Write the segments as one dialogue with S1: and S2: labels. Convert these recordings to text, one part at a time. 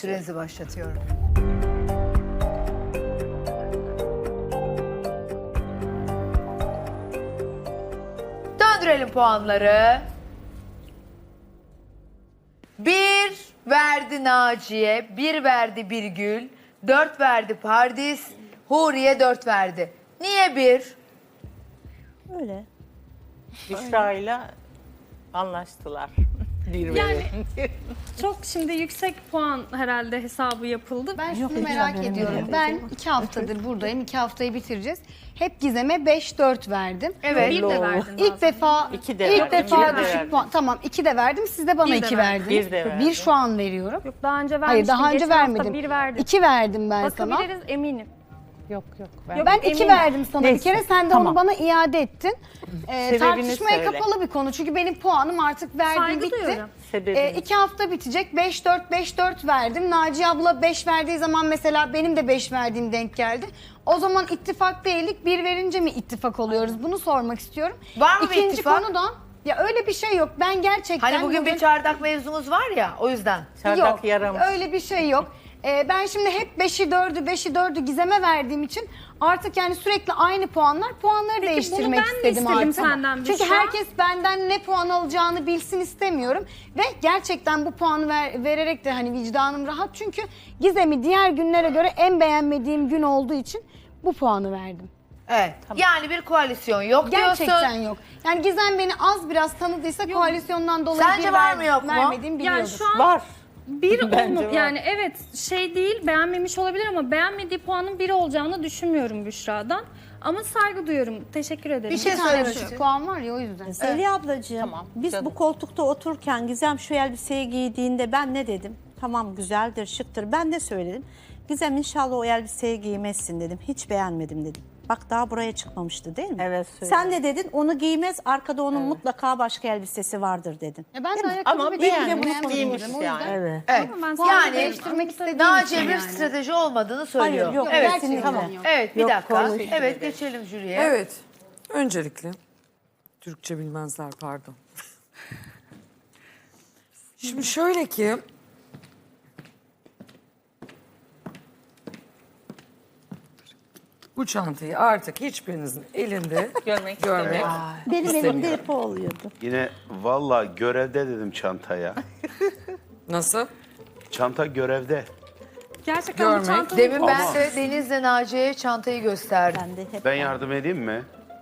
S1: Sürenizi başlatıyorum. Döndürelim puanları. 1 verdi Naciye, 1 verdi Birgül, 4 verdi Pardis, Huriye 4 verdi. Niye 1?
S2: Öyle.
S3: Büşra'yla anlaştılar.
S4: Yani çok şimdi yüksek puan herhalde hesabı yapıldı.
S5: Ben şunu merak ediyorum. Ben 2 haftadır buradayım. 2 haftayı bitireceğiz. Hep Gizem'e 5-4 verdim.
S1: Evet.
S4: Bir de verdin
S5: İlk
S4: bazen.
S5: defa
S3: İki de
S5: ilk
S3: verdim,
S5: defa
S3: bir de
S5: düşük
S3: verdim.
S5: puan. Tamam 2 de verdim. Siz de bana
S4: Bir de
S5: 2
S4: verdim.
S5: verdiniz.
S3: Bir de verdim.
S5: 1 şu an veriyorum.
S4: Yok daha önce vermiştim.
S5: Hayır daha önce
S4: Geçen hafta
S5: vermedim.
S4: bir verdin.
S5: 2 verdim ben sana.
S4: Bakabiliriz eminim.
S2: Yok.
S4: Yok,
S5: Ben 2
S4: eminim.
S5: verdim sana
S2: Neyse,
S5: bir kere. Sen de
S2: tamam.
S5: onu bana iade ettin. Tartışmaya
S3: söyle.
S5: kapalı bir konu. Çünkü benim puanım artık verdiğim
S4: Saygı
S5: bitti.
S4: duyuyorum.
S3: Sebebini.
S5: 2 hafta bitecek. 5-4 verdim. Naciye abla 5 verdiği zaman mesela benim de 5 verdiğim denk geldi. O zaman ittifak değildik. 1 verince mi ittifak oluyoruz? Bunu sormak istiyorum.
S1: Var mı bir
S5: İkinci
S1: ittifak?
S5: konu da ya öyle bir şey yok. Ben gerçekten
S1: Hani bugün bir çardak mevzumuz var ya, o yüzden.
S3: Çardak
S5: yok.
S3: yaramış.
S5: Öyle bir şey yok. Ben şimdi hep 5'i 4'ü Gizem'e verdiğim için artık yani sürekli aynı puanları
S4: Peki
S5: değiştirmek
S4: bunu ben mi
S5: istedim
S4: istedim
S5: artık.
S4: senden
S5: Çünkü
S4: Büşra?
S5: herkes benden ne puan alacağını bilsin istemiyorum ve gerçekten bu puanı vererek de hani vicdanım rahat çünkü Gizem'i diğer günlere göre en beğenmediğim gün olduğu için bu puanı verdim.
S1: Evet. Yani bir koalisyon yok
S5: Gerçekten
S1: diyorsun.
S5: yok. Yani Gizem beni az biraz tanıdıysa koalisyondan dolayı
S1: Sence
S5: bir
S1: var mı yok mu?
S5: vermediğimi biliyordur.
S4: Yani şu an
S3: Var.
S4: bir
S3: Bence
S4: olma
S3: var.
S4: yani evet şey değil beğenmemiş olabilir ama beğenmediği puanın 1 olacağını düşünmüyorum Büşra'dan. Ama saygı duyuyorum. Teşekkür ederim.
S1: Bir şey
S5: Bir tane
S1: söylemek
S5: düşük
S1: istiyorum.
S5: puan var ya o yüzden.
S2: Zeliha ablacığım,
S3: Tamam,
S2: biz
S3: canım.
S2: bu koltukta otururken Gizem şu elbiseyi giydiğinde ben ne dedim? Tamam güzeldir, şıktır. Ben ne söyledim? Gizem inşallah o elbiseyi giymezsin dedim. Hiç beğenmedim dedim. Bak daha buraya çıkmamıştı değil mi?
S3: Evet, söyledim.
S2: Sen de dedin onu giymez, arkada onun mutlaka başka elbisesi vardır dedin.
S5: Ya ben de
S2: Değil mi?
S5: ayakkabı
S3: Ama
S5: ve
S3: beğenmiş,
S5: beğenmedim
S3: giymiş
S5: dedim, o
S3: yani.
S5: yüzden.
S2: Evet.
S1: Evet.
S4: Ama ben
S5: Puanı
S4: sadece
S5: değiştirmek istediğim
S1: Naciye
S5: için
S1: bir
S5: yani.
S1: strateji olmadığını söylüyor.
S2: Hayır, yok,
S1: Evet.
S2: kesinlikle.
S5: Tamam.
S1: Evet bir
S2: Yok,
S1: dakika.
S2: konuş.
S1: Evet geçelim jüriye.
S6: Evet. Öncelikle Türkçe bilmezler pardon. Şimdi şöyle ki bu çantayı artık hiçbirinizin elinde
S3: Görmek
S6: görmek
S2: Benim elimde
S6: istemiyorum.
S2: hep o oluyordu.
S7: Yine valla görevde dedim çantaya.
S6: Nasıl?
S7: Çanta görevde.
S4: gerçekten bu
S6: Görmek.
S4: çantanın
S1: Demin ben
S7: Ama-
S1: de Deniz'le Naciye'ye çantayı gösterdim.
S2: Ben de hep
S7: Ben yardım edeyim mi?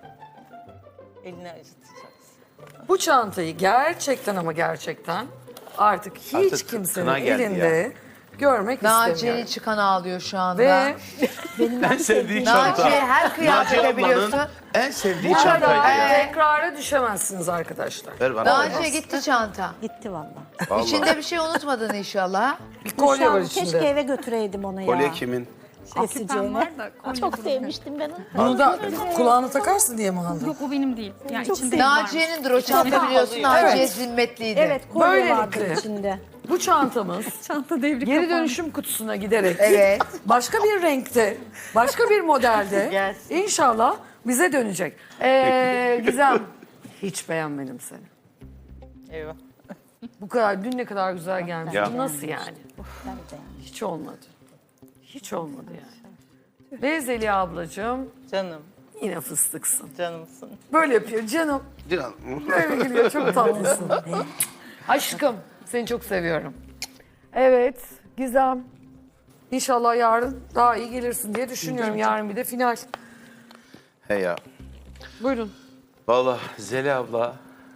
S3: Elini acıtacaksın.
S6: Bu çantayı gerçekten ama gerçekten artık hiç
S7: Artık
S6: kimsenin
S7: kına geldi
S6: elinde görmek
S1: Naciye'nin
S6: istemiyorum.
S1: çıkan ağlıyor şu anda.
S6: Ve
S7: En sevdiği çanta.
S1: Naciye her kıyafete
S7: Naciye
S1: biliyorsun.
S7: ablanın en sevdiği
S6: bu kadar
S7: çantaydı ya.
S6: tekrara düşemezsiniz arkadaşlar.
S7: Ver bana.
S1: Naciye gitti çanta.
S2: gitti vallahi.
S7: Vallahi.
S1: İçinde bir şey unutmadın inşallah.
S6: Bir kolye var
S2: Keşke
S6: içinde.
S2: eve götüreydim onu ya.
S7: Kolye kimin?
S2: Keseceğine.
S4: var da kolye
S2: Çok
S4: duruyor.
S2: sevmiştim ben onu.
S6: Bunu da kulağına takarsın diye mi aldın?
S4: Yok o benim değil. Yani
S2: Çok
S4: içinde
S2: sevdim.
S4: var.
S1: Naciye'nindir o çanta biliyorsun. Naciye zimmetliydi.
S2: Evet kolye vardı
S6: Böylelikle.
S2: içinde.
S6: Bu çantamız
S4: Çanta devri
S6: geri
S4: kapandı.
S6: dönüşüm kutusuna giderek
S1: Evet.
S6: başka bir renkte, başka bir modelde
S3: Gelsin.
S6: inşallah bize dönecek. Gizem, hiç beğenmedim seni.
S3: Eyvah.
S6: Bu kadar, dün ne kadar güzel gelmiş.
S7: Ya.
S6: Bu nasıl yani? Hiç olmadı. Hiç olmadı yani. Ve Zeliha ablacığım
S3: Canım,
S6: yine fıstıksın.
S3: canımsın.
S6: Böyle yapıyor canım. Böyle gülüyor, çok tatlısın. Aşkım, seni çok seviyorum. Evet, Gizem. İnşallah yarın daha iyi gelirsin diye düşünüyorum. Yarın bir de final.
S7: He ya.
S6: Buyurun.
S7: Valla Zeli abla.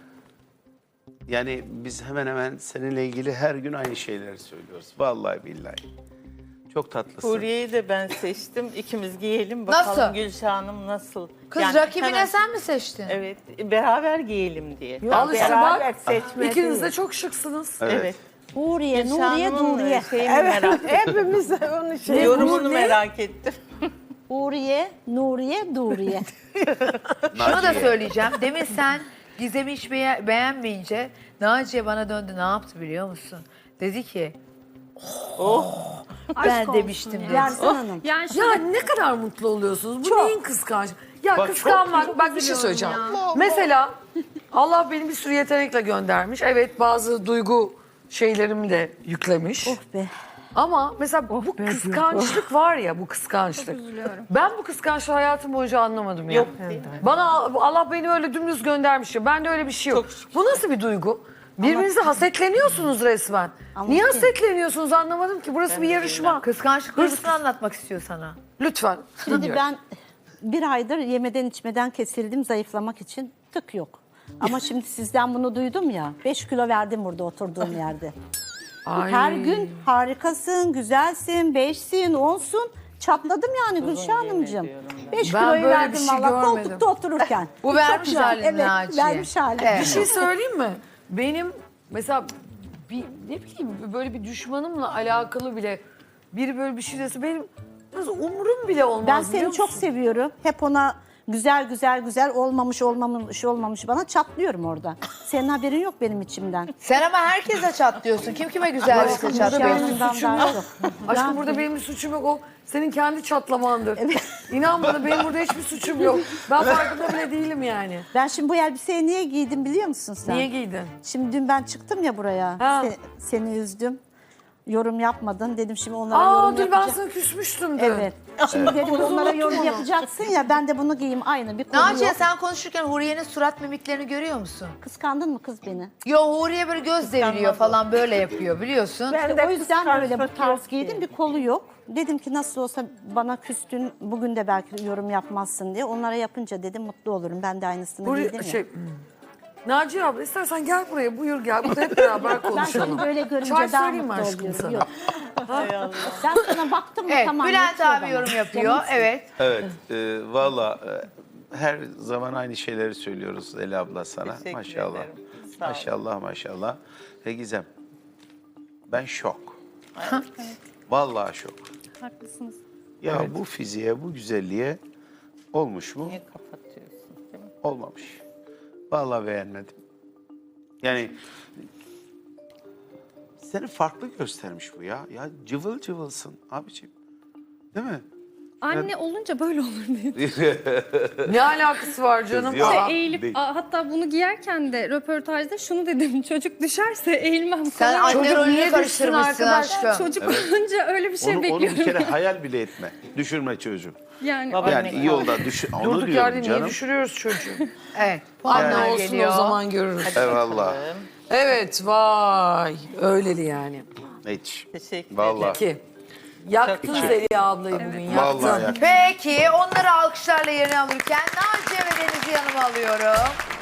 S7: Yani biz hemen hemen seninle ilgili her gün aynı şeyleri söylüyoruz. Vallahi billahi. Çok tatlısın.
S3: Huriye'yi de ben seçtim. İkimiz giyelim bakalım
S1: Nasıl?
S3: Gülşah Hanım nasıl?
S1: Kız
S3: Yani
S1: rakibine
S3: hemen-
S1: sen mi seçtin?
S3: Evet, beraber giyelim diye.
S6: Al işte
S3: Beraber
S6: bak.
S3: seçme
S6: İkiniz de
S3: değil.
S6: çok şıksınız.
S3: Evet.
S2: Huriye,
S3: Gülşah
S2: Nuriye,
S3: Hanım'ın
S2: Duriye.
S3: şeyini merak ettim.
S2: Hepimiz onu şey.
S3: Yorumunu merak ettim.
S2: Huriye, Nuriye, Duriye.
S1: Şunu da söyleyeceğim. Demin sen Gizem'i hiç beğenmeyince Naciye bana döndü. Ne yaptı biliyor musun? Dedi ki ben
S4: Aşk
S1: demiştim
S4: olsun
S1: dedi.
S4: ya.
S2: Yarsan Hanım.
S4: Yani
S6: Ya ne kadar mutlu oluyorsunuz. Bu neyin kıskanç? Ya kıskanmak, bak bir şey söyleyeceğim. Mesela Allah beni bir sürü yetenekle göndermiş. Evet bazı duygu şeylerimi de yüklemiş.
S2: Oh be.
S6: Ama mesela bu kıskançlık var ya, bu kıskançlık. Ben bu kıskançlığı hayatım boyunca anlamadım ya.
S3: Yok.
S6: Bana Allah beni öyle dümdüz göndermiş ya. Bende öyle bir şey yok. Bu nasıl bir duygu? Birbirinize hasetleniyorsunuz resmen. Niye hasetleniyorsunuz anlamadım ki. Burası bir yarışma.
S1: Kıskançlık duygusunu anlatmak istiyor sana.
S6: Lütfen.
S2: Şimdi
S6: dinliyorum.
S2: ben bir aydır yemeden içmeden kesildim zayıflamak için, tık yok. Ama şimdi sizden bunu duydum ya, 5 kilo verdim burada oturduğum yerde.
S6: Ay.
S2: Her gün harikasın, güzelsin, 5'sin, 10'sun. Çatladım yani Gülşah Hanımcığım. 5
S6: Ben
S2: kiloyu
S6: böyle bir
S2: verdim
S6: şey
S2: valla
S6: görmedim.
S2: koltukta otururken.
S1: Bu
S2: Çok
S1: vermiş
S2: güzel.
S1: halini
S2: Evet,
S1: Naciye.
S2: vermiş halini.
S1: Evet.
S6: Bir şey söyleyeyim mi? Benim mesela ne bileyim böyle bir düşmanımla alakalı bile biri böyle bir şey dese benim nasıl umurum bile olmaz.
S2: Ben
S6: biliyor
S2: seni çok
S6: musun?
S2: seviyorum. Hep ona güzel olmamış bana çatlıyorum orada. Senin haberin yok benim içimden.
S1: Sen ama herkese çatlıyorsun. Kim kime güzellikle
S2: Gülşah
S1: çatlıyor?
S2: Hanım'dan daha çok.
S6: Aşkım burada benim bir suçum yok. O senin kendi çatlamandır. İnan bana benim burada hiçbir suçum yok. Ben farkında bile değilim yani.
S2: Ben şimdi bu elbiseyi niye giydim biliyor musun sen?
S6: Niye giydin?
S2: Şimdi dün ben çıktım ya buraya.
S6: Ha.
S2: Seni üzdüm. Yorum yapmadın. Dedim şimdi onlara yorum
S6: Dur ben
S2: yapacağım.
S6: sana küsmüştüm dün.
S2: Evet. Şimdi dedim onlara yorum yapacaksın ya, ben de bunu giyeyim, aynı bir konu
S1: Naciye
S2: yok.
S1: sen konuşurken Huriye'nin surat mimiklerini görüyor musun?
S2: Kıskandın mı kız beni?
S1: Yo, Huriye böyle göz deviriyor falan, böyle yapıyor biliyorsun.
S2: O yüzden böyle bu tarz giydim, bir kolu yok. Dedim ki nasıl olsa bana küstün, bugün de belki yorum yapmazsın diye. Onlara yapınca dedim mutlu olurum. Ben de aynısını giydim ya.
S6: Naciye abla istersen gel buraya, buyur gel. Burada hep beraber
S2: Ben
S6: konuşalım.
S2: seni böyle görünce
S6: Çay
S2: daha
S6: söyleyeyim mi
S2: mutlu
S6: aşkım
S2: oluyorum.
S6: sana?
S2: Yok. Ben sana baktım mı
S1: Evet,
S2: tamam.
S1: Bülent
S2: yetiyor
S1: abi
S2: bana.
S1: yorum yapıyor.
S2: Canımsın.
S1: Evet.
S7: Evet, valla her zaman aynı şeyleri söylüyoruz Zeli abla sana.
S3: Teşekkür
S7: Maşallah.
S3: ederim. Sağ ol.
S7: Maşallah, maşallah. Gizem, ben şok. Vallahi şok.
S2: Haklısınız.
S7: Ya bu fiziğe, bu güzelliğe olmuş mu?
S3: Niye kapatıyorsun? Değil mi?
S7: Olmamış. Vallahi beğenmedim. Yani seni farklı göstermiş bu ya. Ya cıvıl cıvılsın abiciğim. Değil mi?
S4: Anne olunca böyle olur diye.
S6: Ne alakası var canım?
S7: Yok.
S6: Aa,
S4: Eğilip
S7: değil.
S4: hatta bunu giyerken de röportajda şunu dedim. Çocuk düşerse eğilmem
S1: Sen
S4: falan.
S1: anne
S6: Çocuk
S1: rolünü
S6: niye
S1: karıştırmışsın
S6: düşsün arkadaş?
S1: aşkım.
S4: Çocuk olunca öyle bir şey
S7: Onu
S4: bekliyorum.
S7: bir kere hayal bile etme. Düşürme çocuğu.
S4: Yani
S7: Yani iyi yolda düşür. Onu
S6: Durduk
S7: diyorum
S6: yerde niye
S7: canım.
S6: düşürüyoruz çocuğu?
S1: Evet.
S6: Anne
S1: Puanlar
S6: olsun
S1: geliyor.
S6: o zaman görürüz.
S7: Eyvallah.
S6: Evet vay öyleli yani.
S7: Hiç.
S3: Teşekkür
S7: Vallahi.
S6: Ki yaktın Zeliha ablayı bugün yaktın.
S7: Vallahi yak.
S1: Peki onları alkışlarla yerine alırken Naciye ve Deniz'i yanıma alıyorum.